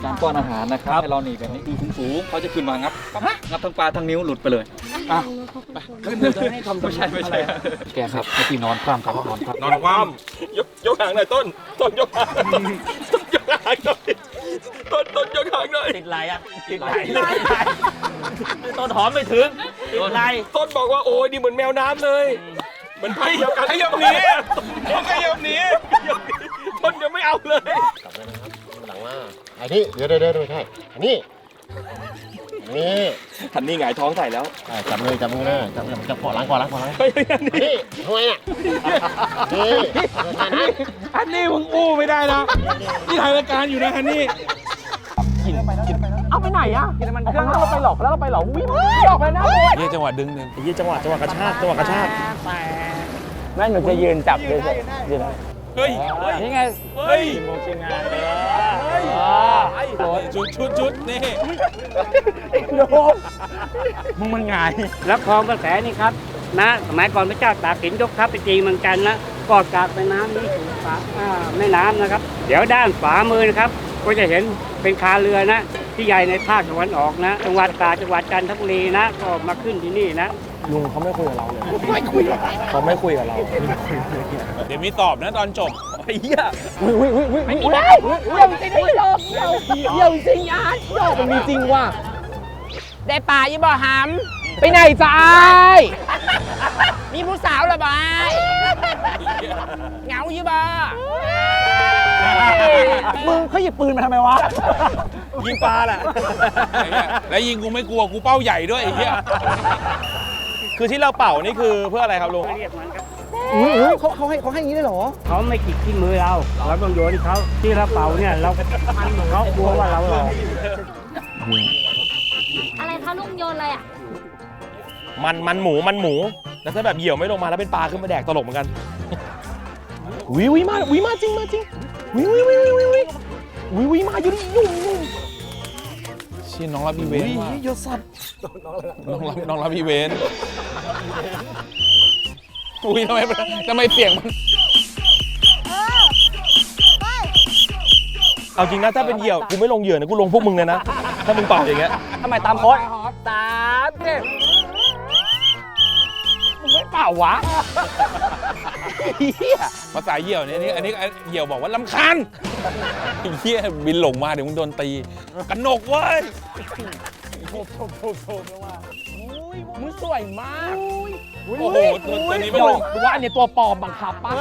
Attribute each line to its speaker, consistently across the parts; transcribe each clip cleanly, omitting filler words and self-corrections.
Speaker 1: การป้อนอาหารนะครับให้เราหนีแบบนี้ดูสูงๆเขาจะขึ้นมางับทั้งปลาทั้งนิ้วหลุดไปเลยอ่ะขึ้นเลยจะให้ทำไม่ใช่แกครับให้พี่นอนคว่ำครับนอนคว่ำ
Speaker 2: นอนคว่ำยกหางหน่อยต้นยกหางต้นยกหางหน่อยต้นยกหางหน่อย
Speaker 3: ติดไหลอ่ะติดไหลต้นหอมไม่ถึงติดไหล
Speaker 2: ต้นบอกว่าโอ้ยดีเหมือนแมวน้ำเลยเหมือนพันเดียวกันขยับหนีขยับหนีต้นยังไม่เอาเลย
Speaker 4: กลับเลยนะครับหลังว่าไอ้นี่เดี๋ยวไม่ใช่อันนี้นี่
Speaker 2: ทันนี่หงายท้องใส่แล้ว
Speaker 4: จับมือนะจับขอล้างนี่ทำไมอ่ะนี่
Speaker 2: ฮันนี่มึงอู้ไม่ได้นะนี่ถ่ายรายการอยู่นะฮันนี่
Speaker 3: เอาไปไหนอ่ะกินมันเครื่องเราไปหลอกแล้วเราไปหลอกวิ่งหลอกไปนะ
Speaker 2: นี่จังหวะดึงเนี่ย
Speaker 3: ยี่จังหวะกระชากแม่หนูจะยืนจับเลยยืน
Speaker 2: เฮ้ย
Speaker 3: นี่ไง
Speaker 2: เฮ้ย
Speaker 3: โมชิงานเลย
Speaker 2: ชุดนี่
Speaker 3: โดนมึงมันง่าย
Speaker 5: แล้วคลองกระแสนี่ครับนะสมัยก่อนพระเจ้าตากสินยกทัพไปจีนเมืองจันทร์นะกอดกาบแม่น้ำนี่สู่แม่น้ำนะครับ เดี๋ยวด้านขวามือนะครับก็จะเห็นเป็นคาเรือนะที่ใหญ่ในภาคตะวันออกนะจังหวัดตากจังหวัดจันทบุรีนะก็มาขึ้นที่นี่นะ
Speaker 3: ลุงเขาไม่คุยกับเราเลยเขาไม่คุยกับเรา
Speaker 2: เดี๋ยวมีตอบนะตอนจบไอ้เหี้ย
Speaker 3: ไม่ได้เยี่ยมจริงไม่ยอมเยี่ยมจริงอ่ะยอมมันมีจริงว่ะได้ป่ายี่บ่หำไปไหนจ้ามีผู้สาวหรือเปล่าเหงายี่บ่มึงเขาหยิบปืนมาทำไมวะ
Speaker 2: ยิงปลาแหละแล้วยิงกูไม่กลัวกูเป้าใหญ่ด้วยไอ้เหี้ยคือที่เราเป่านี่คือเพื่ออะไรครับลุง
Speaker 5: เรียกมันครับ
Speaker 3: เขาให้อย่างนี้ได้หรอ
Speaker 5: เขาไม่จิกที่มือเราต้องโยนเขาที่เราเป่าเนี่ยเราเขากลัวว่าเราหลอก
Speaker 6: อะไรคะลุงโยนอะไรอ่ะ
Speaker 2: มันหมูแล้วถ้าแบบเหยี่ยวไม่ลงมาแล้วเป็นปลาขึ้นมาแดกตลกเหมือนกันวิมาจริงวิมาอยู่นี่ยุ่งเชี่ยน้องรับอีเวนต์ว่ะยศสัตว์น้องรับอีเวนต์อุ้ยทำไมเสียงมันเอาจริงนะถ้าเป็นเหยี่ยวกูไม่ลงเหยื่อนะกูลงพวกมึงเลยนะถ้ามึงเป่าอย่างเงี้ย
Speaker 3: ทำไมตามโค้ด3 10มึงไม่เปล่าวะ
Speaker 2: ภาษาเหยี่ยวเนี่ยอันนี้เหยี่ยวบอกว่าลำคาญไอ้เหี้ยบินหลงมาเดี๋ยวมึงโดนตีกันหนกเว้ย
Speaker 3: มึงสวยมาก
Speaker 2: โอ้โหตัวนี้ไม่ลง
Speaker 3: กูว่าอันนี้ตัวปลอมบังคับป่ะ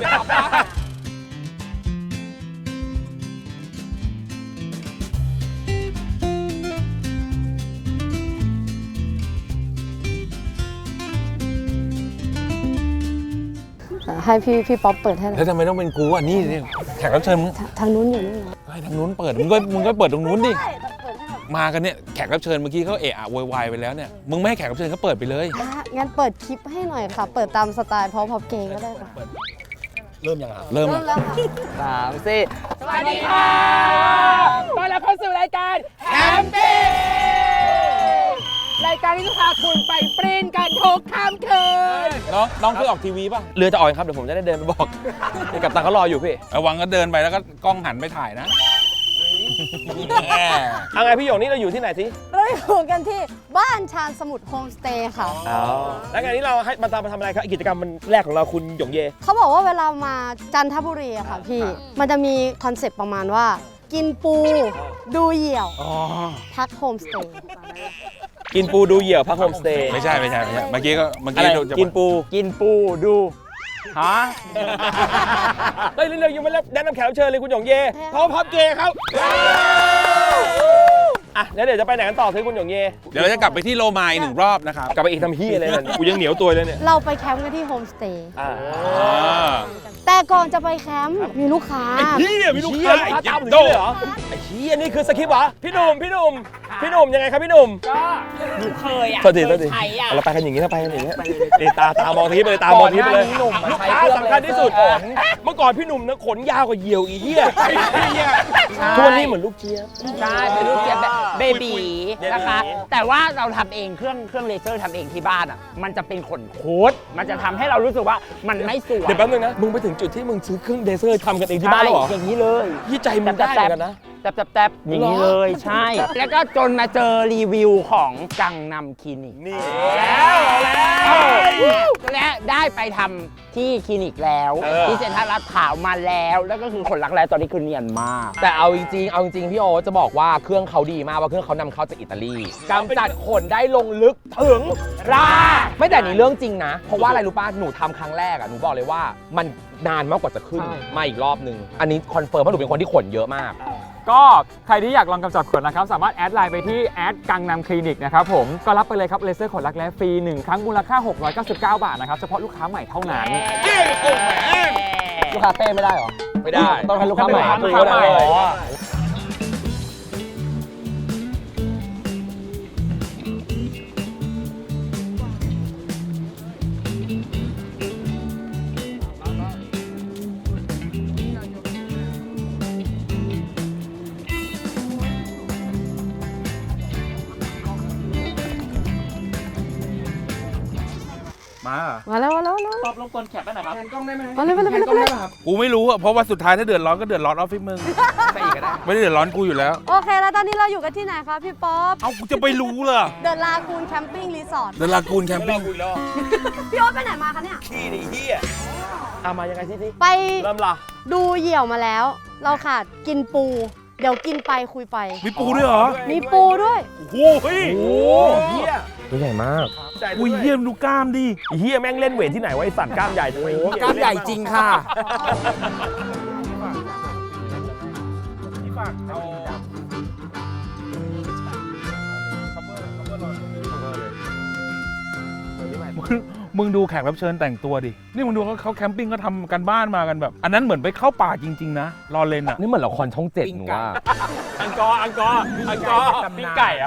Speaker 7: ให้พี่ป๊อปเปิดให้หน่
Speaker 2: แล้
Speaker 7: อยว
Speaker 2: ทำไมต้องเป็นกูอ่ะนี่เนี่ยแขกรับเชิญมึง
Speaker 7: ทางนู้นอยู่นี่เหรอ
Speaker 2: ให้ทางนู้นเปิดมึงก็เปิดตรงนู้นดิมากันเนี่ยแขกรับเชิญเมื่อกี้เขาเอะอะโวยวายไปแล้วเนี่ยมึงไม่ให้แขกรับเชิญเขาเปิดไปเลย
Speaker 7: งั้นเปิดคลิปให้หน่อยค่ะ เปิดตามสไตล์พอเกย์ก็ได้ค่ะ
Speaker 2: เริ่ม
Speaker 7: เริ่ม
Speaker 2: อ่ะ
Speaker 7: แล้วค่ะ
Speaker 3: 3 4สวัสดีค่ะต้อนรับเข้าสู่รายการแฮมปี้รายการที่จะพาคุณไปปริ้นกันทุกค่ำคืน
Speaker 2: น้องเคยออกทีวีป่ะ
Speaker 3: เรือจะออกครับเดี๋ยวผมจะได้เดินไปบอกกับตังเขารออยู่พี่
Speaker 2: ระวังก็เดินไปแล้วก็กล้องหันไปถ่ายนะ
Speaker 3: เอาไงพี่หยงนี่เราอยู่ที่ไหนสิ
Speaker 7: เราอยู่กันที่บ้านชาญสมุทรโฮมสเตย์ค่ะ
Speaker 3: แล้วงานนี้เราให้มาทำอะไรครับกิจกรรมมันแรกของเราคุณหยงเย
Speaker 7: เขาบอกว่าเวลามาจันทบุรีอะค่ะพี่ มันจะมีคอนเซปต์ประมาณว่า กินปู ดูเหยี่ยว พักโฮมสเตย์
Speaker 3: กินปูดูเหยี่ยวพักโฮมสเตย์
Speaker 2: ไม่ใช่เมื่อกี้
Speaker 3: อะไร
Speaker 2: เราจะ
Speaker 3: กินปูดูฮะเฮ้ยเร็วๆยังไม่แนะนำแขกรับเชิญเลยคุณหยงเยพร้อมพับเกย์ครับอ่ะแล้วเดี๋ยวจะไปไหนกันต่อคือคุณหยงเย
Speaker 2: เดี๋ยวเราจะกลับไปที่โลมาอีก1 รอบนะครับ
Speaker 3: กลับไปอีกทำเฮียอะไรเนี่ยกูยังเหนียวตัวเลยเนี่ย
Speaker 7: เราไปแคมป์กันที่โฮมสเตย์
Speaker 2: อ่า
Speaker 7: แต่ก่อนจะไปแคมป์มีลูกค้า
Speaker 2: เฮียมีลูกค้า
Speaker 3: ตามถึงนี่เลยเหรอไอ้เฮียนี่คือสคริปต์เหรอพี่หนุ่มยังไงครับพี่หนุ่มก็หนูเคยอ่ะโทษทีเราไปกันอย่างนี้นะไปกันอย่างนี้ตามองทีไปเลยตามองทีไปเลยลูกค้าสำคัญที่สุดเมื่อก่อนพี่หนุ่มนะขนยาวกว่าเหยี่ยวอีเหี้ยทุกวันนี้เหมือนลูกเจี๊ยบ
Speaker 8: ใช่เป็นลูกเจี๊ยบแบบเบบีนะคะ แต่ว่าเราทำเองเครื่องเลเซอร์ทำเองที่บ้านอ่ะมันจะเป็นขนโคตรมันจะทำให้เรารู้สึกว่ามันไม่สวย
Speaker 3: เดี๋ยวแป๊บนึงนะมึงไปถึงจุดที่มึงซื้อเครื่องเลเซอร์ทำกันเองที่บ้านแล้วเหรอ
Speaker 8: อย่างนี้เลย
Speaker 3: ยี่ใจมึงได้เหมือนกันนะ
Speaker 8: แตบอย่างนี้เลยใช่ แล้วก็จนมาเจอรีวิวของกังนำคลินิกนี่และได้ไปทำที่คลินิกแล้วที่เซ็นทรัลลาดพร้าวมาแล้วก็คือคนรักแร้ตอนนี้คือเนียนมาก
Speaker 3: แต่เอาจริงพี่โอจะบอกว่าเครื่องเขาดีมากว่าเครื่องเขานำเข้าจากอิตาลีกำจัดขนได้ลงลึกถึงรากไม่แต่นี่เรื่องจริงนะเพราะว่าอะไรรู้ป่ะหนูทำครั้งแรกอ่ะหนูบอกเลยว่ามันนานมากกว่าจะขึ้นมาอีกรอบนึงอันนี้คอนเฟิร์มเพราะหนูเป็นคนที่ขนเยอะมาก
Speaker 9: ก็ใครที่อยากลองกำจัดขนนะครับสามารถแอดไลน์ไปที่แอดกังนำคลินิกนะครับผมก็รับไปเลยครับเลเซอร์ขนรักแร้ฟรี1ครั้งมูลค่า699 บาทนะครับเฉพาะลูกค้าใหม่เท่านั้น
Speaker 3: ลูกค้าเต้ไม่ได้หรอไม่ได้ต้องให้ลูกค้าใหม่
Speaker 9: ลูกค้าใหม่
Speaker 7: มาแล้ว
Speaker 1: ตอบลงกลแคปได้ไหนครับ
Speaker 7: มาเลย
Speaker 2: กูไม่รู้อะเพราะว่าสุดท้ายถ้าเดือดร้อนก็เดือดร้อนออฟฟิศมึงไม่ได้เดือดร้อนกูอยู่แล้ว
Speaker 7: โอเคแล้วตอนนี้เราอยู่กันที่ไหนคะพี่ป๊อป
Speaker 2: เอากูจะไปรู้เหรอ
Speaker 7: เดอะลากูนแคมปิ้งรีสอร์ท
Speaker 2: เดลากูนแคมปิ้ง
Speaker 7: พี่โอ๊ตไปไหนมาคะเนี่ย
Speaker 3: ขี้ดิเฮียเอามายังไงที่
Speaker 7: ไป
Speaker 3: เริ่มละ
Speaker 7: ดูเหยี่ยวมาแล้ว เราขาดกินปู เดี๋ยวกินไปคุยไป
Speaker 2: มีปูด้วยเหรอ
Speaker 7: มีปูด้วย
Speaker 2: โอ้โหเฮ้ย
Speaker 3: โอ้เฮียตัวใหญ่มาก
Speaker 2: อุ้ยเยี่ยมดูกล้ามดิ
Speaker 3: เฮียแม่งเล่นเวทที่ไหนวะไอสัตว์กล้ามใหญ่จังเลย
Speaker 8: กล้ามใหญ่จริงค่ะ
Speaker 2: มึงดูแขกรับเชิญแต่งตัวดิ นี่มึงดูเขาแคมปิ้งก็ทำกันบ้านมากันแบบ อันนั้นเหมือนไปเข้าป่าจริงๆนะ รอเลนอะ
Speaker 3: นี่เหมือนละครช่อง7หนูว่า
Speaker 2: อังกอร์ปิ้งไก่อะ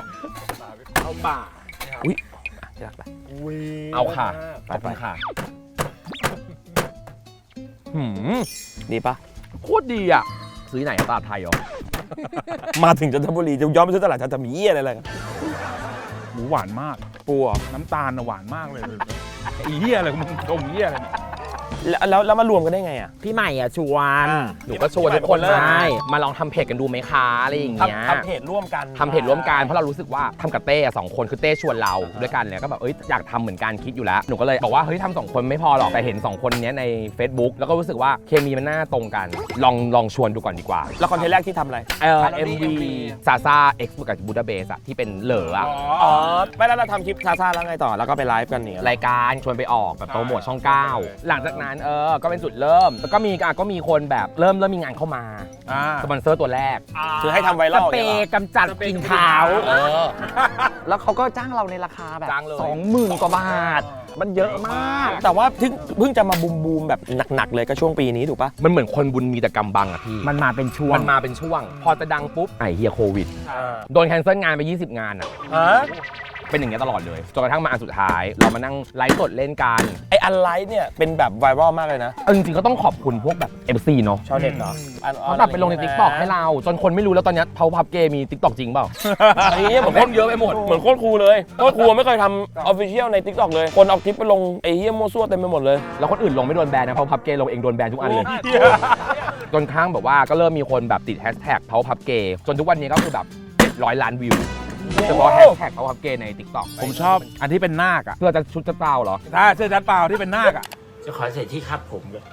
Speaker 3: อุ้ยเอาค่ะขอบคุณค่ะดีปะโคตรดีอ่ะซื้อไหนตลาดไทยเหรอ มาถึงจันทบุรีจะย้อนไปซื้อตลาดจันทบุรีอะไรกัน
Speaker 2: หมูหวานมากปูน้ำตาลน่ะหวานมากเลยไอ้เหี้ยอะไรมึงชมเหี้ยอะไรเนี่ย
Speaker 3: แล้วมารวมกันได้ไงอ่ะ
Speaker 8: พี่ใหม่ชวน
Speaker 3: หนูก็ชวนทุกคนเลย
Speaker 8: ใช่
Speaker 3: มาลองทำเพจกันดูไหมคะอะไรอย่างเงี้ย
Speaker 4: ทำเพจร่วมกัน
Speaker 3: ทำเพจร่วมกันเพราะเรารู้สึกว่าทำกับเต้2คนคือเต้ชวนเราด้วยกันเลยก็แบบอยากทำเหมือนกันคิดอยู่แล้วหนูก็เลยบอกว่าเฮ้ยทำ2คนไม่พอหรอกแต่เห็น2คนนี้ใน Facebook แล้วก็รู้สึกว่าเคมีมันน่าตรงกันลองชวนดูก่อนดีกว่า
Speaker 4: แล้วคอนเทนต์แรกที่ทำอะไร
Speaker 3: MV ซาซา X กับบูดาเบสอะที่เป็นเหลออะ
Speaker 4: อ๋อ ไม่แล้วเราทำคลิปซาซาแล้วไงต่อ แล้วก็ไปไลฟ์กันเนี่ย
Speaker 3: รายการชวนไปออกแบบโปรโมทช่อง 9 หลังจากนั้นก็เป็นจุดเริ่มแล้วก็มีคนแบบเริ่มมีงานเข้ามาสปอนเซอร์ตัวแรก
Speaker 4: คือให้ทำไว
Speaker 8: ส
Speaker 4: รัล
Speaker 8: เปรย์กำจัดกลิ่นขาว
Speaker 3: แล้วเขาก็จ้างเราในราคาแบบ 20,000 กว่าบาท มันเยอะมาก
Speaker 4: แต่ว่าเพิ่งจะมาบูมแบบหนักๆเลยก็ช่วงปีนี้ถูกปะ
Speaker 3: มันเหมือนคนบุญมีแต่กำบังอะพี่
Speaker 8: มันมาเป็นช่วง
Speaker 3: มันมาเป็นช่วง พอจะดังปุ๊บไอ้เฮียโควิด โดนแคนเซิลงานไป 20 งานอะเป็นอย่างเงี้ยตลอดเลยจนกระทั่งมาอันสุดท้าย เรามานั่งไลฟ์สดเล่นกัน
Speaker 4: ไออันไลฟ์เนี่ยเป็นแบบไวรัลมากเลยนะ
Speaker 3: จริงๆก็ต้องขอบคุณพวกแบบ MC เนาะ
Speaker 4: ชาวเน็ตเหรอ
Speaker 3: เขาแบบไปลงใน TikTok ให้เรา จนคนไม่รู้แล้วตอนนี้เผาพับเกมี TikTok จริงเปล่า
Speaker 4: ไอ้เหี้ยผม
Speaker 3: เล่นเยอะไปหมด
Speaker 4: เหมือนโคตรครูเลยโคตรครูไม่เคยทำออฟฟิเชียลใน TikTok เลย คนเอาคลิปไปลงไอ้เหี้ยมั่วซั่วเต็มไปหมดเลย
Speaker 3: แล้วคนอื่นลงไม่โดนแบนนะเผาพับเกลงเองโดนแบนทุกอันเลย จนครั้งแบบว่าก็เริ่มมีคนแบบติดแฮชแท็กเผาพับเกจนทุกวันนี้ก็คือแบบ700 ล้านวิวเฉพาะแฮชแท็กเผาพับเกใน TikTok
Speaker 2: ผมชอบอันที่เป็นนาคอะ
Speaker 3: เพื่อจะชุดจะเปล่าเหรอ
Speaker 2: ถ้าเสื้อจัดเปล่าที่เป็นนาคอะ
Speaker 8: จะขอเสร็จที่ครับผมเลย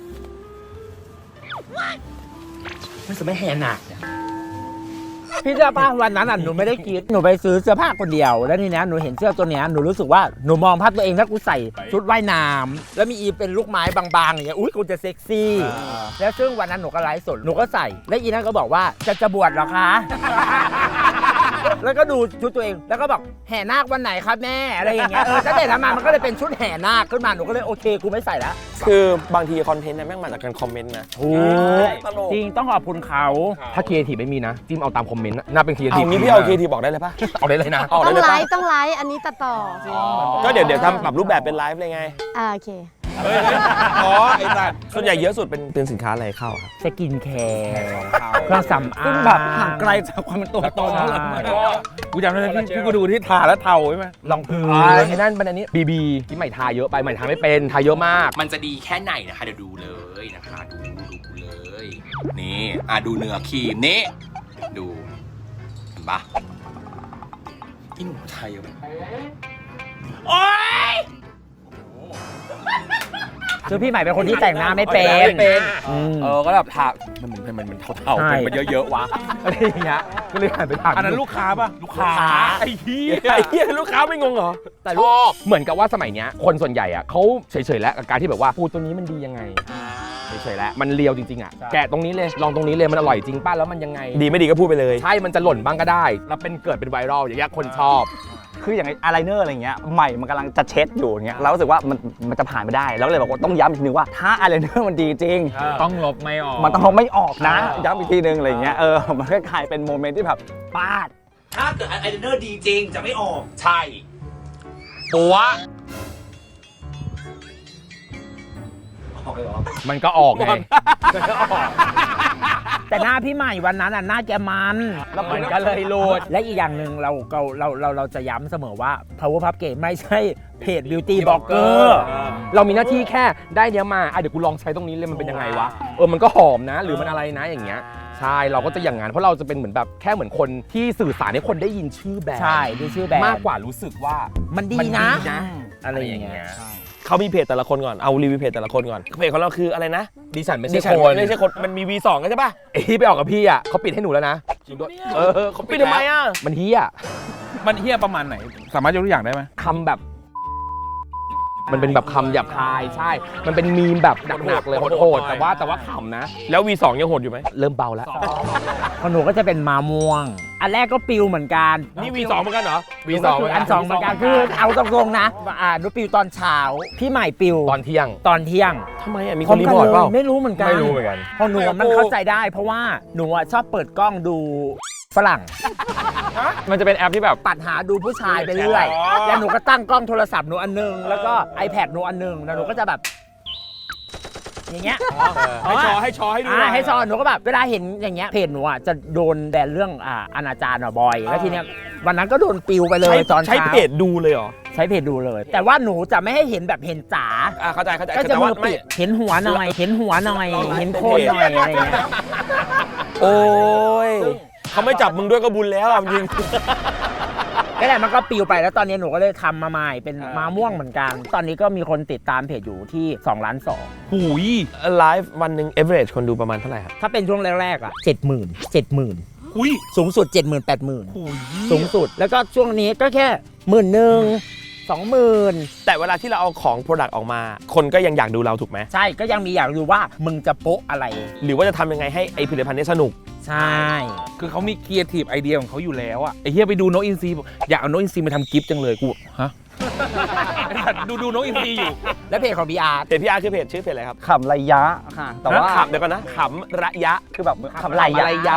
Speaker 8: ไม่สมัยแหนักพี่เสื้อผ้าวันนั้นหนูไม่ได้คิดหนูไปซื้อเสื้อผ้าคนเดียวแล้วทีนี้หนูเห็นเสื้อตัวเนี้ยหนูรู้สึกว่าหนูมองภาพตัวเองถ้ากูใส่ชุดว่ายน้ำแล้วมีอีเป็นลูกไม้บางๆอย่างเงี้ยอุ้ยกูจะเซ็กซี่แล้วซึ่งวันนั้นหนูก็ไลฟ์สดหนูก็ใส่แล้วอีนั่นก็บอกว่าจะบวชเหรอคะ แล้วก็ดูชุดตัวเองแล้วก็บอกแห่นาควันไหนครับแม่อะไรอย่างเงี้ยตั้งแต่นั้นมามันก็เลยเป็นชุดแห่นาคขึ้นมาหนูก็เลยโอเคกูไม่ใส่แล้ว
Speaker 4: คือบางทีคอนเทนต์เนี่ยแม่งมาจากการคอมเมนต์นะ
Speaker 8: ถูกจริงต้องขอบคุณเขา
Speaker 3: ถ้าครีเอทีฟไม่มีนะจิ้มเอาตามคอมเมนต์น่าเป็นครีเอทีฟ
Speaker 4: เอางี้พี่เอาเคทีบอกได้เลยปะ
Speaker 3: เอาได้เลยนะ
Speaker 4: เอา
Speaker 7: ต้
Speaker 4: ได้
Speaker 7: อง
Speaker 4: เลย
Speaker 7: ไล
Speaker 4: ปะ
Speaker 7: ฟ์ต้องไลฟ์อันนี้ตัดต่อ
Speaker 4: ก็เดี๋ยวทำปรับรูปแบบเป็นไลฟ์เลยไง
Speaker 7: โอเค
Speaker 2: อ๋อไอ้สัตว์
Speaker 4: ส่วนใหญ่เยอะสุดเป็นสินค้าอะไรเข้าครับ
Speaker 8: สกินแคร์เครื่องสำอางซึ่งแบบห่างไกลจากความเป็นตัวตนเท่าไหร่
Speaker 2: กูจำได้ที่กูดูที่ทาแล้วเทาใช่ไหม
Speaker 8: ลองพื้น
Speaker 3: ไอ้นั่นเป็นอันนี้บีที่ใหม่ทาเยอะไปใหม่ทาไม่เป็นทาเยอะมาก
Speaker 10: มันจะดีแค่ไหนนะคะเดี๋ยวดูเลยนะคะดูเลยนี่ดูเนื้อครีมนี่
Speaker 3: ดูเห็นปะอีหนูไทยอะโอ๊ย
Speaker 8: คือพี่ใหม่เป็นคนที่แต่งหน้าไม่เป็น
Speaker 3: ก็แบบถามมันเท่าๆมันเยอะๆวะอะไรอย่างเงี้ยก็เลยหันไปถามอันนั้นลูกค้าป่ะลูกค้าไอ้เหี้ยลูกค้าไม่งงเหรอแต่ชอบเหมือนกับว่าสมัยเนี้ยคนส่วนใหญ่อ่ะเขาเฉยๆแล้วกับการที่แบบว่าปูตัวนี้มันดียังไงเฉยๆแล้วมันเลียวจริงๆอ่ะแกะตรงนี้เลยลองตรงนี้เลยมันอร่อยจริงป่ะแล้วมันยังไงดีไม่ดีก็พูดไปเลยใช่มันจะหล่นบ้างก็ได้แล้วเกิดเป็นไวรัลอย่างเงี้ยคนชอบ
Speaker 10: คืออย่างอายไลเนอร์อะไรเงี้ยใหม่มันกำลังจะเช็ดอยู่เงี้ยเรารู้สึกว่ามันจะผ่านไม่ได้แล้วเลยบอกว่าต้องย้ำอีกทีนึงว่าถ้าอายไลเนอร์มันดีจริง
Speaker 9: ต้องลบไม่ออก
Speaker 10: มันต้องลบไม่ออกนะย้ำอีกทีนึงอะไรเงี้ยมันก็กลายเป็นโมเมนต์ที่แบบปาด
Speaker 3: ถ้าเกิดอายไลเนอร์ดีจริงจะไม่ออกใช่ปัว
Speaker 8: มันก็ออกไงแต่หน้าพี่ใหม่วันนั้นหน้าแกมันแล้วมันก็เลยโหลดและอีกอย่างหนึ่งเราจะย้ำเสมอว่า Power Puff Gay ไม่ใช่เพจ Beauty Blogger
Speaker 3: เรามีหน้าที่แค่ได้เนี้ยมาเดี๋ยวกูลองใช้ตรงนี้เลยมันเป็นยังไงวะมันก็หอมนะหรือมันอะไรนะอย่างเงี้ยใช่เราก็จะอย่างงั้นเพราะเราจะเป็นเหมือนแบบแค่เหมือนคนที่สื่อสารให้คนได้ยินชื่อแบรนด์
Speaker 8: ใช่ดูชื่อแบรนด์
Speaker 3: มากกว่ารู้สึกว่า
Speaker 8: มันดีนะอะไรอย่างเงี้ย
Speaker 3: เขามีเพจแต่ละคนก่อนเอารีวิวเพจแต่ละคนก่อนเพจของเราคืออะไรนะ
Speaker 8: ดิฉันไม่ใช่
Speaker 3: คนมันมี V2 กันใช่ป่ะที่ไปออกกับพี่อ่ะเขาปิดให้หนูแล้วนะเขาปิดทำไมอ่ะมันเฮี้ย
Speaker 9: ประมาณไหนสามารถยกตัวอย่างได้ไหม
Speaker 3: คำแบบมันเป็นแบบคำหยาบคายใช่มันเป็นมีมแบบหนักๆเลยโหดๆแต่ว่าขำนะแล้ว V2 ยังโหดอยู่ไหมเริ่มเบาแล้ว
Speaker 8: ของหนูก็จะเป็นมาม่วงอันแรกก็ปิวเหมือนกัน
Speaker 3: นี่ V2 เหมือนกันเหรอ
Speaker 8: V2 อัน2เหมือนกันคือเอาตรงๆนะหนูปิวตอนเช้าพี่ใหม่ปิว
Speaker 3: ตอนเที่ยง
Speaker 8: ทำไม
Speaker 3: มีคนรีพอร์ตเปล่า
Speaker 8: ไม่รู้เหมือนกันพอหนูมันเข้าใจได้เพราะว่าหนูชอบเปิดกล้องดูฝรั่ง
Speaker 9: มันจะเป็นแอปที่แบบ
Speaker 8: ปัดหาดูผู้ชายไปเรื่อยแล้วหนูก็ตั้งกล้องโทรศัพท์หนูอันนึงแล้วก็ iPad หนูอันนึงแล้วหนูก็จะแบบอย่างเงี้ย
Speaker 3: ให้ชอให้ดู
Speaker 8: ให้ชอหนูก็แบบเวลาเห็นอย่างเงี้ยเพจหนูจะโดนแบนเรื่องอนาจารบ่อยแล้วทีเนี้ยวันนั้นก็โดนปิวไปเลยตอนเช้า
Speaker 3: ใช้เพจดูเลยเหรอ
Speaker 8: ใช้เพจดูเลยแต่ว่าหนูจะไม่ให้เห็นแบบเห็นจ๋า
Speaker 3: เข้าใจ
Speaker 8: ก็จะมือปิดเห็นหัวหน่อยเห็นโคนหน่อยอะไรเงี้ย
Speaker 3: โอ้ยเขาไม่จับมึงด้วยก็บุญแล้วจริง
Speaker 8: ก็แหละมันก็ปิวไปแล้วตอนนี้หนูก็เลยทำมาใหม่เป็นมาม่วงเหมือนกันตอนนี้ก็มีคนติดตามเพจอยู่ที่2.2 ล้าน
Speaker 3: หูยไลฟ์วันหนึ่ง average คนดูประมาณเท่าไหร่ครับ
Speaker 8: ถ้าเป็นช่วงแรกๆ70,000
Speaker 3: หุย
Speaker 8: สูงสุด 80,000 สูงสุดแล้วก็ช่วงนี้ก็แค่11,000-20,000
Speaker 3: แต่เวลาที่เราเอาของ product ออกมาคนก็ยังอยากดูเราถูกไหม
Speaker 8: ใช่ก็ยังมีอยากดูว่ามึงจะโป๊ะอะไร
Speaker 3: หรือว่าจะทำยังไงให้ไอผลิตภัณฑ์นี้สนุก
Speaker 8: ใช่
Speaker 9: คือเขามีครีเอทีฟไอเดียของเขาอยู่แล้วอะไอเฮียไปดูโนอินซีอยากเอาโนอินซีมาทำกิฟต์จังเลยกูฮะดูโนอินซีอยู่
Speaker 8: แล้วเพจของ PR
Speaker 3: เพจ PR คือเพจชื่อเพจอะไรครับ
Speaker 10: ขำระยะค่ะแต่ว่า
Speaker 3: เดี๋ยวก่อนนะขำระยะ
Speaker 10: คือแบบขำระยะ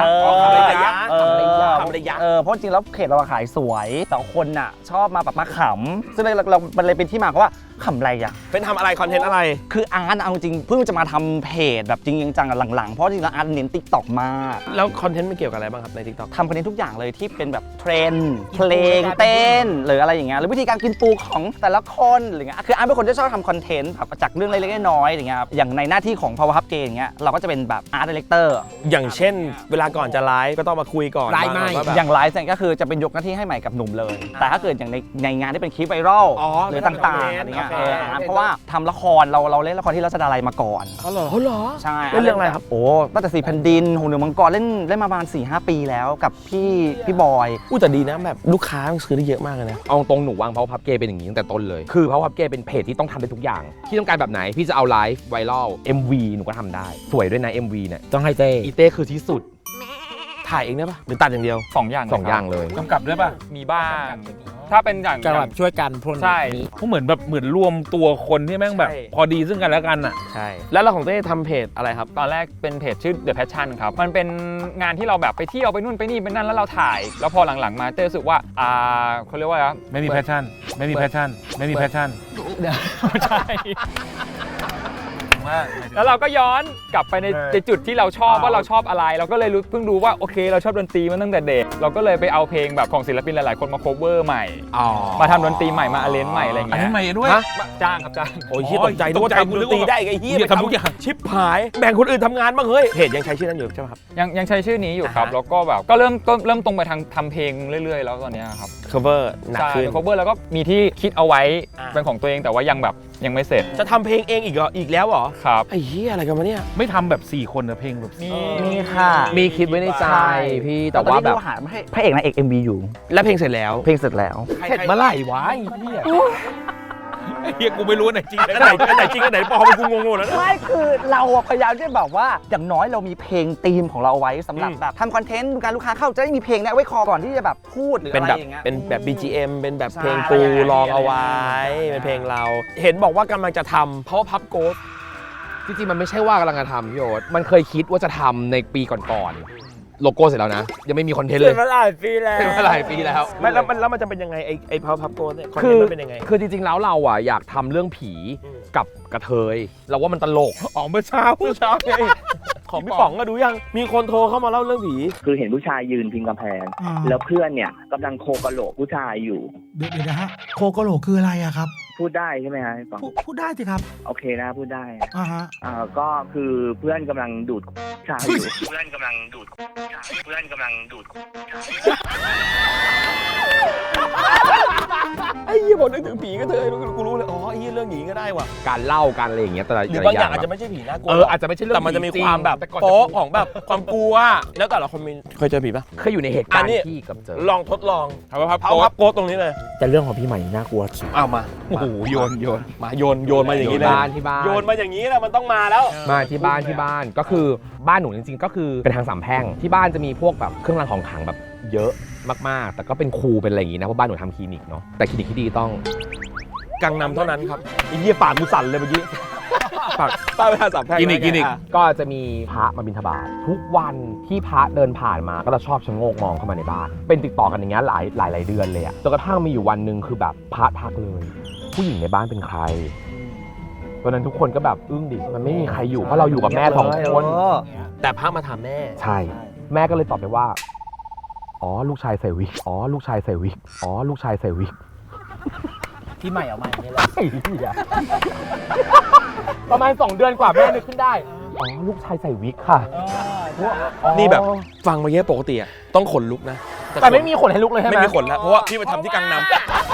Speaker 10: เพราะจริงแล้วเพจเราขายสวยแต่คนน่ะชอบมาแบบมาขำซึ่งเรามันเลยเป็นที่มาเพราะว่าขำอะไร
Speaker 3: เป็นทำอะไรคอนเทนต์อะไร
Speaker 10: คืออาร์ตเอาจริงเพิ่งจะมาทำเพจแบบจริงจังหลังๆเพราะจริงแล้วอาร์ตเน้น TikTok มาก
Speaker 3: แล้วคอนเทนต์มันเกี่ยวกับอะไรบ้างครับใน TikTok
Speaker 10: ทำคอนเทนต์ทุกอย่างเลยที่เป็นแบบเทรนด์เพลงเต้นหรืออะไรอย่างเงี้ยหรือวิธีการกินปูของแต่ละคนอะไรเงี้ยคืออาร์ตเป็นคนที่ชอบทำคอนเทนต์แบบจากเรื่องเล็กๆน้อยๆอย่างเงี้ยอย่างในหน้าที่ของ Power Puff Gay อย่างเงี้ยเราก็จะเป็นแบบอาร์ตดีเรคเตอร์
Speaker 3: อย่างเช่นเวลาก่อนจะไลฟ์ก็ต้องมาคุยก่อน
Speaker 8: ไลฟ์ไม่
Speaker 10: อย่างไลฟ์ก็คือจะเป็นยกหน้าที่ให้ใหม่กับหนุ่มเลยแต่ถ้าเกิดอย่างในงานที่เป็นคลิปไวรัลหรือต่างๆอะไรเงี้ยเพราะว่าทำละครเราเล่นละครที่รัชดาลัยมาก่อน
Speaker 3: เหรอ
Speaker 10: ใช่
Speaker 3: เล่นเรื่องอะไรครับ
Speaker 10: โอ้ตั้งแต่4 แผ่นดินหงเหนือมังกรเล่นมาประมาณ 4-5 ปีแล้วกับพี่บอย
Speaker 3: แต่ดีนะแบบลูกค้าซื้อได้เยอะมากเลยนะเอาตรงหนูวาง Power Puff Gay เป็นอย่างนี้ตั้งแต่ต้นเลยคือ Power Puff Gay เป็นเพจที่ต้องทำได้ทุกอย่างที่ต้องการแบบไหนพี่จะเอาไลฟ์ไวรัล MV หนูก็ทำได้สวยด้วยนะ MV เนี่ย
Speaker 8: ต้องให้เต้
Speaker 3: อีเต้คือที่สุดถ่ายเองได้ปะหรือตัดอย่างเดียว
Speaker 9: 2 อย่าง
Speaker 3: เลย
Speaker 9: กำกับด้วยปะมีบ้างถ้าเป็นอย่าง
Speaker 8: แบบช่วยกันพวก
Speaker 9: นี้ใช่เขาเหมือนรวมตัวคนที่แม่งแบบพอดีซึ่งกันแล้วกันอ่ะ
Speaker 3: ใช่แล้วเราของเต้ทำเพจอะไรครับ
Speaker 9: ตอนแรกเป็นเพจชื่อ The Passion ครับมันเป็นงานที่เราแบบไปเที่ยวไปนู่นไปนี่ไปนั่นแล้วเราถ่ายแล้วพอหลังๆมาเต้รู้สึกว่าเขาเรียกว่า
Speaker 1: ไม่มีแพชชั่นไม่มีแพชชั่น
Speaker 9: ใช่แล้วเราก็ย้อนกลับไปในจุดที่เราชอบว่าเราชอบอะไร เราก็เลยเพิ่งรู้ว่าโอเคเราชอบดนตรีมาตั้งแต่เด็กเราก็เลยไปเอาเพลงแบบของศิลปินหลายๆคนมา cover ใหม่มาทำดนตรีใหม่มาarrangeใหม่อะไรอย่างเงี้ย
Speaker 2: arrange ใหม่ด้วย
Speaker 9: จ้างครับจ้าง
Speaker 3: โอ้ยเฮียตกใจตัวทำดนตรีได้ไอ้เฮีย
Speaker 2: ทำทุกอย่าง
Speaker 3: ชิปหายแบ่งคนอื่นทำงานบ้างเฮ้ยเพจยังใช้ชื่อนั้นอยู่ใช่ไหมครับ
Speaker 9: ยังใช้ชื่อนี้อยู่ครับแล้วก็แบบก็เริ่มตรงไปทางทำเพลงเรื่อยๆแล้วตอนเนี้ยครับ
Speaker 3: cover หนัก
Speaker 9: ใช่
Speaker 3: ขึ้น
Speaker 9: cover แล้วก็มีที่คิดเอาไว้เป็นของตัวเองแต่ว่ายังไม่เสร็จ
Speaker 3: จะทำเพลงเองอีกแล้วเหรอ
Speaker 9: ครับ
Speaker 3: ไอ้เหี้ยอะไรกันวะเนี่ย
Speaker 2: ไม่ทำแบบ4คนนะเพลงแบบ
Speaker 10: มีค่ะ
Speaker 8: มีคิดไว้ในใจพี่แต่
Speaker 10: ตอน
Speaker 8: ว่า
Speaker 10: นี้
Speaker 8: แบบ
Speaker 10: เราหาให้พระเอกนางเอก MV อยู่
Speaker 3: แล้วเพลงเสร็จแล้ว
Speaker 10: เพลงเสร็จแล้ว
Speaker 8: เสร็จเมื่อไหร่วะไอ้เหี้ย
Speaker 2: ไอ้เฮียกูไม่รู้อันไหนจริง
Speaker 3: อันไหนจริงอันไหนปลอมกูงงหมดแล้วนะ
Speaker 10: ไม่คือเราอะพยายามที่แบบว่าอย่างน้อยเรามีเพลงธีมของเราเอาไว้สำหรับแบบทำคอนเทนต์การลูกค้าเข้าจะได้มีเพลงเนี้ยไว้คอก่อนที่จะแบบพูดหรือ
Speaker 3: เป็น
Speaker 10: อะไร
Speaker 3: แบบ
Speaker 10: อย่างเงี้ย
Speaker 3: เป็นแบบ BGM เป็นแบบเพลง
Speaker 10: ใช่
Speaker 3: ปูลองเอาไว้เป็นเพลงเรา เห็นบอกว่ากำลังจะทำ Power Puff Ghost
Speaker 8: จริงๆมันไม่ใช่ว่ากำลังจะทำพี่โอ๊ตมันเคยคิดว่าจะทำในปีก่อนๆโลโก้เสร็จแล้วนะยังไม่มีคอนเทนต์เลย
Speaker 3: มาหลายปีแล้ว
Speaker 8: เป็นมาหลายปีแล้ว
Speaker 3: ไม่แล้วมันจะเป็นยังไงไอ้ Power Puff Ghost เนี่ยคอนเท
Speaker 8: คื
Speaker 3: น
Speaker 8: อ
Speaker 3: ต์มันเป็นยังไง
Speaker 8: คือจริงๆแล้วเราอ่ะอยากทำเรื่องผีกับกระเทยเราว่ามันตลก
Speaker 3: อ๋อเมื่อเช้าไงของพี่ป๋องก็ดูยังมีคนโทรเข้ามาเล่าเรื่องผี
Speaker 11: คือเห็นผู้ชายยืนพิงกำแพง แล้วเพื่อนเนี่ยกำลังโคกะโหลกผู้ชายอยู่
Speaker 12: เดี๋ยวนะฮะโคกะโหลกคืออะไรอะครับ
Speaker 11: พูดได้ใช่ไหมฮะพี่ป๋อง
Speaker 12: พูดได้สิครับ
Speaker 11: โอเคนะพูดได้
Speaker 12: ฮะ
Speaker 11: ก็คือเพื่อนกำลังดูดผู้ชายอยู่ เพื่อนกำลังดูดเพื่อนกำลังดูด
Speaker 3: ไอ้เหี้ยบอกนึกถึงผีก็เธอกูรู้เลยอ๋อไอ้เหี้ยเรื่องหนีก็ได้ว่ะ
Speaker 8: การเล่าการอะไรอย่างเงี้ยแต่ละ
Speaker 3: หรือบางอย่างอาจจะไม่ใช่ผีน่ากลัว
Speaker 8: อาจจะไม่ใช่เรื่อง
Speaker 3: แต่มันจะมี
Speaker 8: จริง
Speaker 3: ความแบบ
Speaker 8: แต่ก่อน
Speaker 3: โป๊ะของแบบความกลัวแล้วแต่ละคนมีเคยเจอผีปะ
Speaker 8: เคยอยู่ในเหตุการณ์ที่กับเจอ
Speaker 3: ลองทดลอง
Speaker 2: Power Puff
Speaker 3: Power Puff Ghost ตรงนี้เลย
Speaker 8: แต่เรื่องของพี่ใหม่น่ากลัวสุด
Speaker 3: เอามา
Speaker 2: โอ้โหโยน
Speaker 3: มาโยนมาอย่างนี้เลย
Speaker 8: ที่บ้าน
Speaker 3: โยนมาอย่างนี้แหละมันต้องมาแล้ว
Speaker 8: มาที่บ้านก็คือบ้านหนูจริงๆก็คือเป็นทางสามแพร่งที่บ้านจะมีพวกแบบเครื่องรางของขลังแบบเยอะมากๆ แต่ก็เป็นครูเป็นอะไรอย่างงี้นะเพราะบ้านหนูทำคลินิกเนาะแต่คลินิกที่ดีต้อง
Speaker 3: กังนำเท่านั้นครับไอ้เหี้ยปากกูสั่นเลยเมื่อกี้ปากป้าไปทางสามแพร่ง
Speaker 2: กินอีก
Speaker 8: ก็จะมีพระมาบิณฑบาตทุกวันที่พระเดินผ่านมาก็จะชอบชะโงกมองเข้ามาในบ้านเป็นติดต่อกันอย่างเงี้ยหลายเดือนเลยอะจนกระทั่งมีอยู่วันหนึ่งคือแบบพระทักเลยผู้หญิงในบ้านเป็นใครตอนนั้นทุกคนก็แบบอึ้งดิมันไม่มีใครอยู่เพราะเราอยู่กับแม่สองคน
Speaker 3: แต่พระมาถามแม่
Speaker 8: ใช่แม่ก็เลยตอบไปว่าอ๋อลูกชายใส่วิกอ๋อลูกชายใส่วิกอ๋อลูกชายใส่วิก
Speaker 10: ที่ใหม่ออกมาอย่างนี้แหละ
Speaker 8: ประมาณ2 เดือนกว่าแม่นึกขึ้นได้อ๋อลูกชายใส่วิกค่ะ
Speaker 3: นี่แบบฟังมาเยอะปกติอะต้องขนลุกนะ
Speaker 8: แต่ไม่มีขนให้ลุกเลยใช่ไหม
Speaker 3: ไม่มีขนแล้วเพราะว่าพี่มาทำที่กังนำ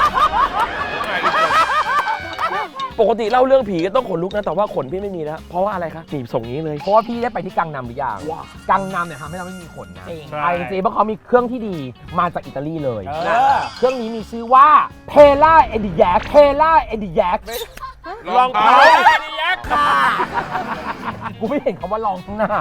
Speaker 3: ปกติเล่าเรื่องผีก็ต้องขนลุกนะแต่ว่าขนพี่ไม่มีแล้วเพราะว่าอะไรคะหนีส่งนี้เลย
Speaker 8: เพราะว่าพี่ได้ไปที่กังนำหรือยังกังนำเนี่ยทำให้เราไม่มีขนนะไอ้จริงๆเพราะเขามีเครื่องที่ดีมาจากอิตาลีเลยเครื่องนี้มีชื่อว่าเพล่าเอดิแยกเพล่าเอดิแยก
Speaker 3: ลองเท้า
Speaker 8: กูไม่เห็นคำว่าลองข้างหน้า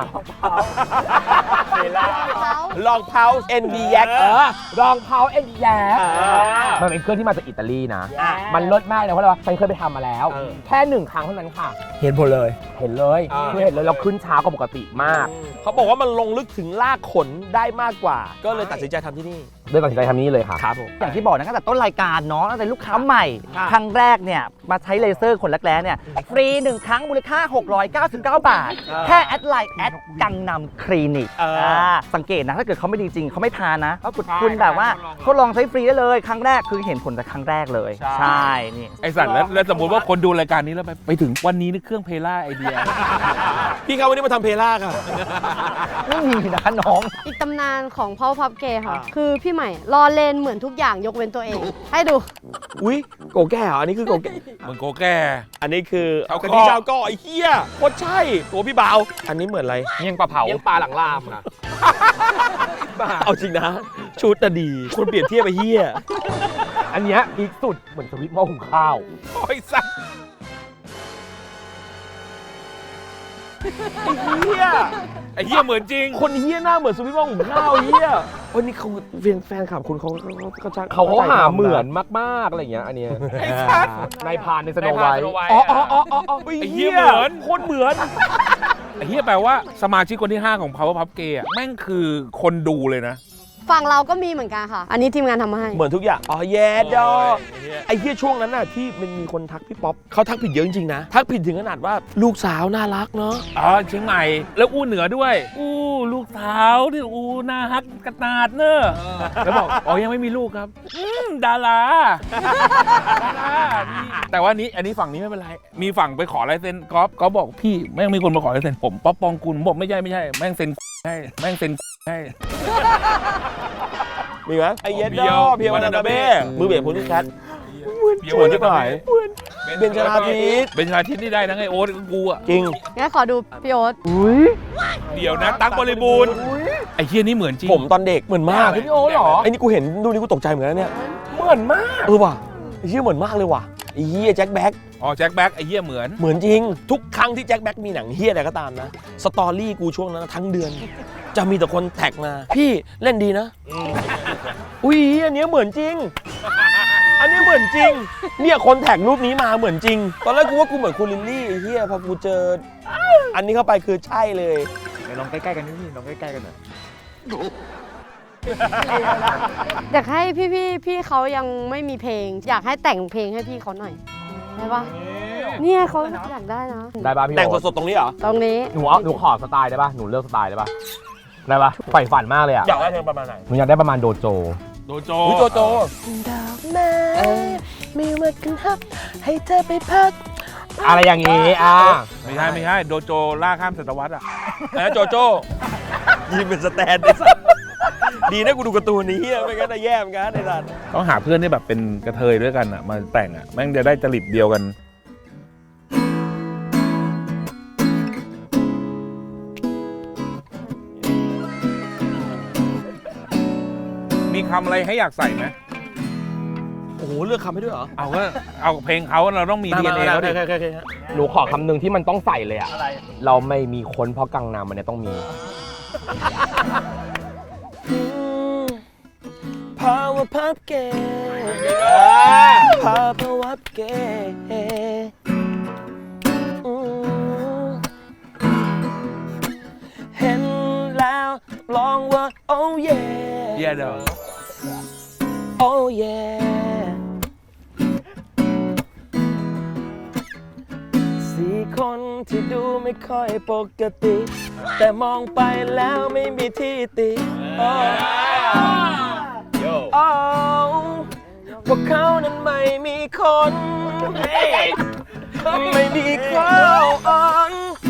Speaker 3: ลองเท้า ND แยก
Speaker 8: รองเท้าเอ็นแยกมันเป็นเครื่องที่มาจากอิตาลีนะมันเลิศมากเลยเพราะอะไรวะฉันเคยไปทำมาแล้ว แค่1 ครั้งเท่านั้นค่ะเห็นผลเลยคือเห็นเลยเราขึ้นช้ากว่าปกติมาก
Speaker 3: เขาบอกว่ามันลงลึกถึงรากขนได้มากกว่า ก็เลยตัดสินใจทำที่นี่
Speaker 8: เลยตัดสินใจทำนี้เลยค่ะ
Speaker 3: ครับผม
Speaker 10: อย่างที่บอกนะตั้งแต่ต้นรายการเนาะตั้งแต่ลูกค้าใหม่ ครั้งแรกเนี่ยมาใช้เลเซอร์ขนรักแร้เนี่ยฟรี 1 ครั้งมูลค่า 699 บาท แค่แอดไลน์แอดกังนำคลินิกสังเกตนะถ้าเกิดเขาไม่ดีจริงเขาไม่ทานนะเขาคุณแบบว่าทดลองใช้ฟรีได้เลยครั้งแรกคือเห็นผลจากครั้งแรกเลยใช่นี่
Speaker 2: ไอสัตว์แล้วสมมติว่าคนดูรายการนี้แล้วไปถึงวันนี้นี่เครื่องเพล่าไอเดีย
Speaker 3: พี่เขาวันนี้มาทำเพล่าค่ะ
Speaker 10: ไม่มีนะคะน้อง
Speaker 7: อีกตำนานของพ่อพับเกย์ค่ะ คือพี่ใหม่รอเลนเหมือนทุกอย่างยกเว้นตัวเอง ให้ดู
Speaker 3: อุ้ยโกแก้เหรออันนี้คือโกแก้
Speaker 2: มึงโกแก่
Speaker 3: อันนี้คือ
Speaker 2: ชาวเกาะ
Speaker 3: กะทิชาวเก็ไอ้เหี้ยโคตรใช่ตัวพี่เบาอันนี้เหมือนอะไร
Speaker 9: เมี่ยงปลาเผา
Speaker 8: เลี้ยงปลาหลังลามค่ะ
Speaker 3: เอาจริงนะชุดแต่ดีคนเปรียบเทียบไปเหี้ย
Speaker 8: อันเนี้ยพีคสุดเหมือนสวิตช์หม้อหุงข้าว
Speaker 2: โอ้ยสัตว์ ไอ้เหี้ยเหมือนจริง
Speaker 3: คนเหี้ยหน้าเหมือนสวิตช์หม้อหุงข้าวเหี้ยวันนี้เขาแฟนคลับคุณเขา
Speaker 8: หาเหมือนมากๆอะไรอย่างเงี้ยอันเนี้ยนายพรานในสโนไวท์
Speaker 3: อ๋อ
Speaker 2: ไอ้เหี้ยเหมือน
Speaker 3: โคตรเหมือน
Speaker 2: ไอ้เหี้ยแปลว่าสมาชิกคนที่ 5 ของ Power Puff Gay อะแม่งคือคนดูเลยนะ
Speaker 7: ฝั่งเราก็มีเหมือนกันค่ะ อันนี้ทีมงานทำมาให้
Speaker 3: เหมือนทุกอย่างอ๋อแย่ดอไอ้เหี้ยช่วงนั้นน่ะที่มันมีคนทักพี่ป๊อปเขาทักผิดเยอะจริงๆนะทักผิดถึงขนาดว่าลูกสาวน่ารักเนาะ
Speaker 2: อ๋อเชียงใหม่แล้วอู้เหนือด้วยอู้ลูกสาวที่อู้น่าฮักกระนาดเนอะแล้วบอกอ๋อยังไม่มีลูกครับดาราแต่ว่าอันนี้ฝั่งนี้ไม่เป็นไรมีฝั่งไปขอลายเซ็นก๊อฟบอกพี่แม่งมีคนมาขอลายเซ็นผมป๊อปปองกุลบอกไม่ใช่แม่งเซ็นให้แม่งเซ็นให้
Speaker 3: มีไหมไอ้เย็ดดอเพียววานาเบ้มือเบสโพลิแคท
Speaker 2: เพียววานาเบ้
Speaker 3: เบนชลาทิศ
Speaker 2: เบนชลาทิศนี่ได้นะไอโอ๊ตกูอ่ะ
Speaker 3: จริง
Speaker 7: งั้นขอดูพี่โอ๊ต
Speaker 2: เดี๋ยวนะตั๊กบริบูรณ์ไอ้เฮียนี่เหมือนจริง
Speaker 3: ผมตอนเด็กเหมือนมาก
Speaker 8: พี่โอ๊ตเหรอ
Speaker 3: ไอ้นี่กูเห็นดูนี่กูตกใจเหมือนกันเนี่ย
Speaker 8: เหมือนมาก
Speaker 3: ว่ะไอ้เหี้ยเหมือนมากเลยว่ะไอ้เหี้ยแจ็คแบ็ค
Speaker 2: อ๋อแจ็คแบ็คไอ้เฮียเหมือน
Speaker 3: จริงทุกครั้งที่แจ็คแบ็คมีหนังเหี้ยอะไรก็ตามนะสตอรี่กูช่วงนั้นทั้งเดือนจะมีแต่คนแท็กมาพี่เล่นดีนะอุ้ยอันนี้เหมือนจริง อันนี้เหมือนจริงเนี่ยคนแท็กรูปนี้มาเหมือนจริงตอนแรกกูว่ากูเหมือนคุณลิลลี่ไอ้เหี้ยพอกูเจออันนี้เข้าไปคือใช่เลย
Speaker 8: ลองใกล้ๆกันนิดนึงลองใกล้ๆกันหน่อย
Speaker 7: อยากให้พี่เขายังไม่มีเพลง อยากให้แต่งเพลงให้พี่เขาหน่อยได้ปะเนี่ยเขาอยากได้นะ
Speaker 8: ได้ป่ะพี่
Speaker 3: แต่งสดๆตรงนี้เหรอ
Speaker 7: ตรงนี้
Speaker 8: หนูขอสไตล์ได้ป่ะหนูเลือกสไตล์ได้ป่ะได้ป่ะใฝ่ฝันมากเลยอ่ะ
Speaker 3: อยากได้เพลงประมาณไหน
Speaker 8: หนูอยากได้ประมาณโดโจ
Speaker 2: โดโจ
Speaker 3: โจโจดอกไม้มีมากันฮับให้เธอไปพัก
Speaker 8: อะไรอย่างงี้
Speaker 2: ไม่ใช่โดโจล่าข้ามศตวรรษอ่ะโจโจ
Speaker 3: ยืนเป็นสแตนได้สัสดีนะกูดูการ์ตูนนี้ไม่งั้นจะแย่เหมือนกันไอ้สัส
Speaker 2: ต้องหาเพื่อนที่แบบเป็นกระเทยด้วยกันอ่ะมาแต่งอ่ะแม่งจะได้จริตเดียวกันมีคำอะไรให้อยากใส่ไหม
Speaker 3: โอ้โหเลือกคำให้ด้วยเหรอ
Speaker 2: เอาเพลงเขาเราต้องมี DNA เขาดิ
Speaker 8: หนูขอคำหนึ่งที่มันต้องใส่เลยอ่ะเราไม่มีคนเพราะกังนามมันเนี่ยต้องมี
Speaker 3: Power Pop Gay Power Pop Gay เห็นแล้วลองว่า Oh yeah
Speaker 2: Yeah dog
Speaker 3: Oh yeah สี่คนที่ดูไม่ค่อยปกติ แต่มองไปแล้วไม่มีที่ติพวกเขานั้นไม่มีคนไม่มีคน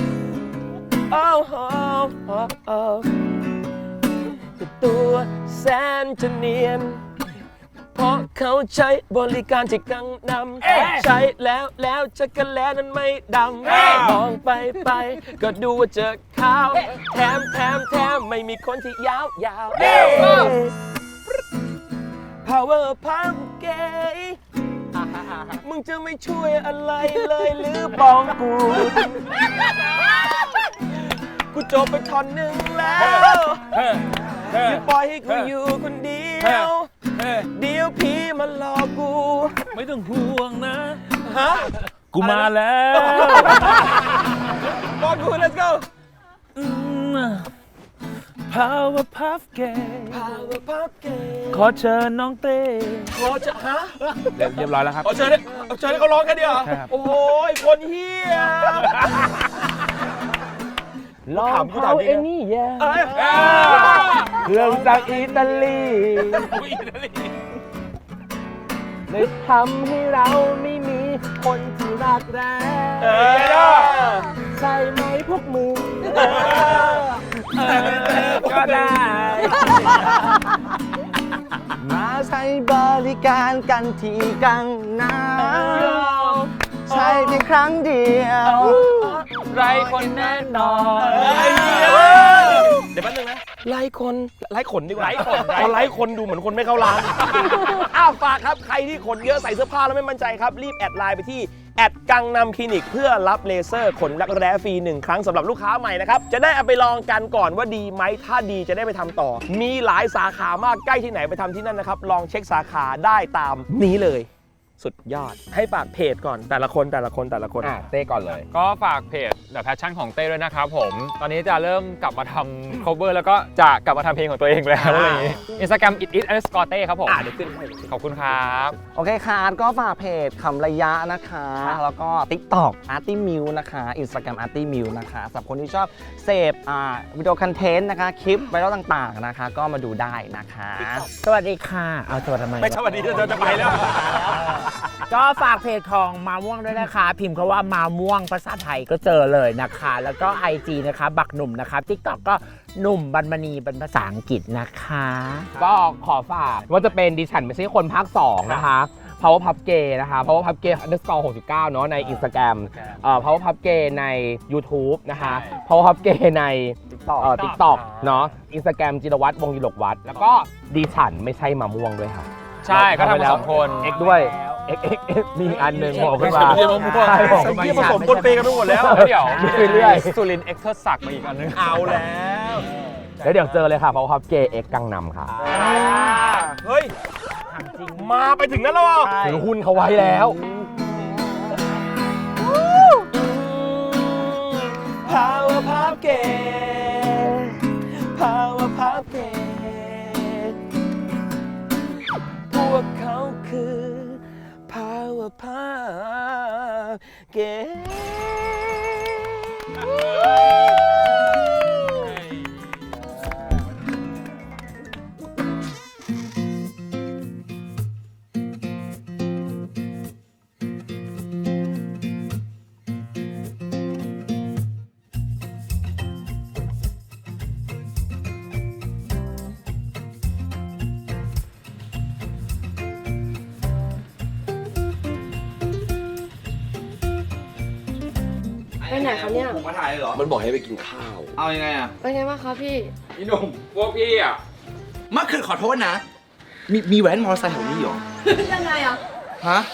Speaker 3: แต่ตัวแสนจะเนียนเพราะเขาใช้บริการที่กังนำใช้แล้วจักรแลนั้นไม่ดำมองไปก็ดูว่าเจอขาวแถมไม่มีคนที่ยาว Power Pop Gay มึงจะไม่ช่วยอะไรเลยหรือปองกูจบไปท่อนหนึ่งแล้วอย่าปล่อยให้กูอยู่คนเดียวเดี๋ยวพี่มาหลอกกู
Speaker 2: ไม่ต้องห่วงนะ
Speaker 3: ฮะ
Speaker 2: กูมาแล้ว
Speaker 3: บอกกู let's go
Speaker 2: Power Puff Gay
Speaker 3: Power Pop Gay
Speaker 2: ขอเชิญน้องเต้
Speaker 3: ขอจะฮะ
Speaker 2: เรียบร้อยแล้วครับ
Speaker 3: เชิญให้เขาร้องกันดีกว่าโอ้ยคนเฮีย
Speaker 8: ลองเขาเอ็นนี่แย่เครื่องจากอิตาลีเลยทำให้เราไม่มีคนที่รักแร้ใช่ไหมพวกมึงก็ได้
Speaker 10: มาใช้บริการกันที่กังนำใช่เพียงครั้งเดียวไรคนแน่นอน
Speaker 3: เดี๋ยวแป๊บนึงนะไล่ขนดีกว่าไล่คนดูเหมือนคนไม่เข้าร้านฝากครับใครที่ขนเยอะใส่เสื้อผ้าแล้วไม่มั่นใจครับรีบแอดไลน์ไปที่กังนำคลินิกเพื่อรับเลเซอร์ขนรักแร้ฟรี1 ครั้งสำหรับลูกค้าใหม่นะครับจะได้เอาไปลองกันก่อนว่าดีไหมถ้าดีจะได้ไปทำต่อมีหลายสาขามากใกล้ที่ไหนไปทำที่นั่นนะครับลองเช็คสาขาได้ตามนี้เลยสุดยอดให้ฝากเพจก่อนแต่ละคนเต้ก่อนเลย
Speaker 9: ก็ฝากเพจ The Passion ของเต้ด้วยนะครับผม ตอนนี้จะเริ่มกลับมาทำ cover แล้วก็จะกลับมาทำเพลงของตัวเองแล้วอะไรอย่างงี้ Instagram it_ต้ ครับผมเดี๋ยวขึ้นให้ขอบคุณครับ
Speaker 10: โอเคค่ะก็ฝากเพจคำระยะนะคะ แล้วก็ TikTok artymew นะคะ Instagram artymew นะคะสำหรับคนที่ชอบเสพวิดีโอคอนเทนต์นะคะ คลิปไวรัลต่างๆนะคะ ก็มาดูได้นะคะ
Speaker 8: สวัสดีค่ะเอาสวัสดีทำไม
Speaker 3: ไม่สวัสดีจะไปแล้ว
Speaker 8: ก็ฝากเพจของมาม่วงด้วยนะคะ พิมพ์คำว่ามาม่วงภาษาไทยก็เจอเลยนะคะ แล้วก็ IG นะคะบักหนุ่มนะคะ TikTok ก็หนุ่มบรรมณีเป็นภาษาอังกฤษนะคะ
Speaker 13: ก็ขอฝากว่าจะเป็นดิฉันไม่ใช่คนภาค 2 นะคะ Power Pub Gay นะคะ Power Pub Gay _69 เนาะใน Instagram Power Pub Gay ใน YouTube นะคะ Power Pub Gay ใน TikTok เนาะ Instagram จิรวัตรวงศ์ดิลกวัฒน์แล้วก็ดิฉันไม่ใช่มะม่วงด้วยค่ะ
Speaker 9: ใช่ก็ทำมา2 คน
Speaker 13: X ด้วย X มีอันหนึ่งบอกขึ้นมา
Speaker 3: ไม่ใช่มะม่วง
Speaker 13: ใช่บอกขึ้นมา
Speaker 3: ผสมปนเปกันไปหมดแล้ว
Speaker 9: เดี๋ยว
Speaker 13: ไปเรื่อย
Speaker 9: สุรินทร์เอ็กเทอร์ศักดิ์มาอีกอันนึง
Speaker 3: เอาแล้ว
Speaker 13: แล้วเดี๋ยวเจอเลยค่ะ Power Pub Gay X กังนำค่ะ
Speaker 3: เฮ้ยมาไปถึงนั้นแล้วเหรอ
Speaker 13: ถือหุ้นเขาไว้แล้ว
Speaker 3: Power Pub Gay Power Pub Gay พวกเขาคือ Power Pub Gay
Speaker 7: ไปไหนคะเนี่ย
Speaker 1: ผมมาถ่ายเลยเหรอ
Speaker 3: มันบอกให้ไปกินข้าว
Speaker 1: เอายังไงอ่ะ
Speaker 7: ไปไงบ้างคะพี่
Speaker 1: พี่หนุ่ม
Speaker 9: พวกพี่อ่ะ
Speaker 1: เมื่อคืนขอโทษนะ มีแว้นมอเตอร์ไซค์แถวนี้เหรอ
Speaker 7: ยังไงอ่ะ
Speaker 1: ฮะ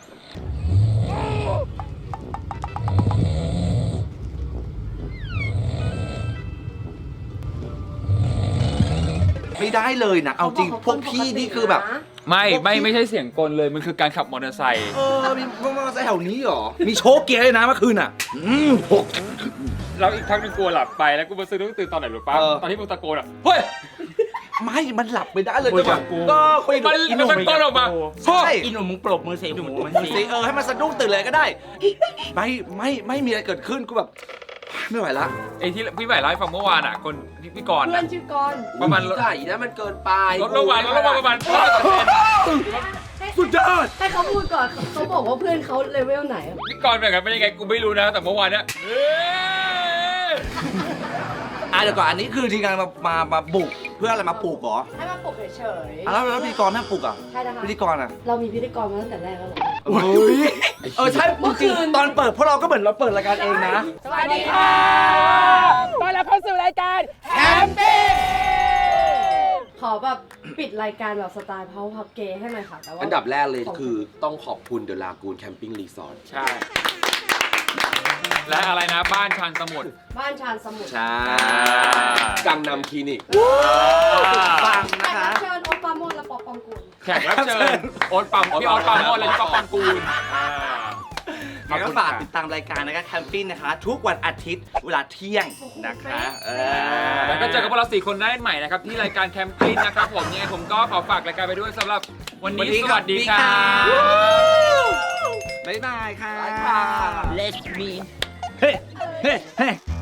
Speaker 1: ไม่ได้เลยนะ เอาจริง พวกพี่นี่คือแบบ
Speaker 9: ไม่ใช่เสียงกลเลย มันคือการขับมอเตอร์ไซค์
Speaker 1: มีมอเตอร์ไซค์แถวนี้เหรอ มีโชว์เกียร์เลยนะเมื่อคืนอ่ะ
Speaker 9: แล้วอีกพักนึงกูหลับไปแล้วกูมาซื้อตื่นตอนไหนรู้ป่ะ ตอนที่มึงตะโกนอ่ะ เฮ้ย
Speaker 1: ไม่ มันหลับไม่ได้เลย
Speaker 9: คุยกับกู
Speaker 1: ก็คุยกับ
Speaker 9: มันตะโกนออกมา
Speaker 1: ใช่
Speaker 8: อินหนุ่มมึงปรบมือเสียหูมันสิ
Speaker 1: ให้มันสะดุ้งตื่นเลยก็ได้ ไม่มีอะไรเกิดขึ้นกูแบบ ไม่ไหวละ
Speaker 9: ไอ้ที่พี่ใหม่เล่าให้ฟังเมื่อวานอ่ะ คนพี่กรณ์
Speaker 7: เพื่อนชื่อกรณ์
Speaker 9: ประมาณ
Speaker 1: ใช่แล้วมันเกินไป
Speaker 9: ลดลงมาประมาณ
Speaker 1: สุดยอด
Speaker 7: ให้เขาพูดก่อนเขาบอกว่าเพื่อนเขาเลเวลไหนอะ
Speaker 9: พี่กรณ์เป็นไงเป็นยังไงกูไม่รู้นะแต่เมื่อวานเนี้ย
Speaker 1: เดี๋ยวก่อนอันนี้คือทีมงานมาบุกเพื่ออะไรมาปลูกเหรอ
Speaker 7: ให้มาปลุกเฉย
Speaker 1: แล้วพิธีกรแม่งปลูกอ่ะ
Speaker 7: ใช่นะคะ
Speaker 1: พิธีกรอ่ะ
Speaker 7: เรามีพิธีกรมาตั้งแต่แรกแล้วเหรอ
Speaker 1: ใช่จริงๆตอนเปิดพวกเราก็เหมือนเราเปิดรายการเองนะ
Speaker 7: สวัสดีค่ะ
Speaker 13: ตอนรับเข้าสู่รายการ
Speaker 7: ขอแบบปิดรายการแบบสไตล์ Power Pub Gay ให้หน่อยค่ะแต่ว่า
Speaker 3: อันดับแรกเลยคือต้องขอบคุณเดอะลากูนแคมปิ้งรีสอร์ท
Speaker 9: ใช่ และอะไรนะบ้านชานสมุทร
Speaker 7: บ้านชานสมุทร
Speaker 3: ใช่กังนำคลินิก
Speaker 1: ฟัง
Speaker 7: แข
Speaker 1: นะ
Speaker 7: ก
Speaker 1: คะ
Speaker 7: รับเชิญโอปป้าโมดและป๊อปปองกุล
Speaker 9: แขกรับเชิญโอ๊ตปั๊มพี่โอ๊ตปั๊มโมดและพี่ป๊อปปังกูล
Speaker 1: แล้วก็ฝากติดตามรายการนะคะแคมปิ้งนะคะ ทุกวันอาทิตย์เวลาเที่ยงนะคะ
Speaker 9: แล้วก็เจอกับพวกเรา4 คนได้ใหม่นะครับที่รายการแคมปิ้งนะครับผมยังไงผมก็ขอฝากรายการไปด้วยสำหรับวันนี้สวัสดีครับ
Speaker 1: บ๊ายบายค่ะ
Speaker 8: Let me
Speaker 1: เฮ้